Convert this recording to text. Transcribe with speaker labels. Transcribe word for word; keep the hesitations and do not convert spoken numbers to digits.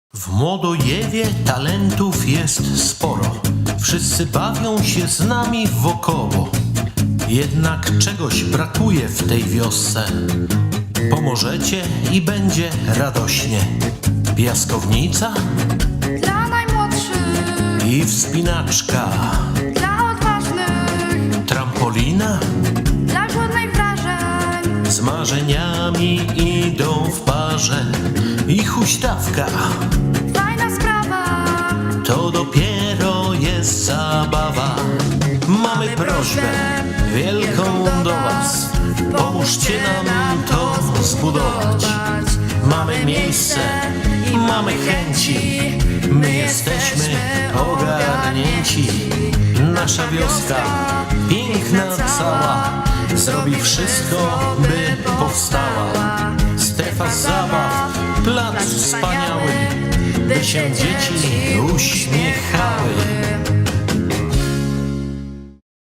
Speaker 1: W Młodojewie talentów jest sporo. Wszyscy bawią się z nami wokoło. Jednak czegoś brakuje w tej wiosce. Pomożecie i będzie radośnie. Piaskownica
Speaker 2: Dla najmłodszych,
Speaker 1: i wspinaczka.
Speaker 2: dla odważnych,
Speaker 1: Trampolina
Speaker 2: dla głodnych wrażeń.
Speaker 1: z marzeniami idą w parze. I huśtawka
Speaker 2: Fajna sprawa,
Speaker 1: to dopiero jest zabawa. Mamy prośbę wielką do was. Pomóżcie nam to zbudować. Mamy miejsce, mamy chęci. My jesteśmy ogarnięci. Nasza wioska, piękna cała, zrobi wszystko, by powstała. Strefa zabaw, plac wspaniały, by się dzieci uśmiechały.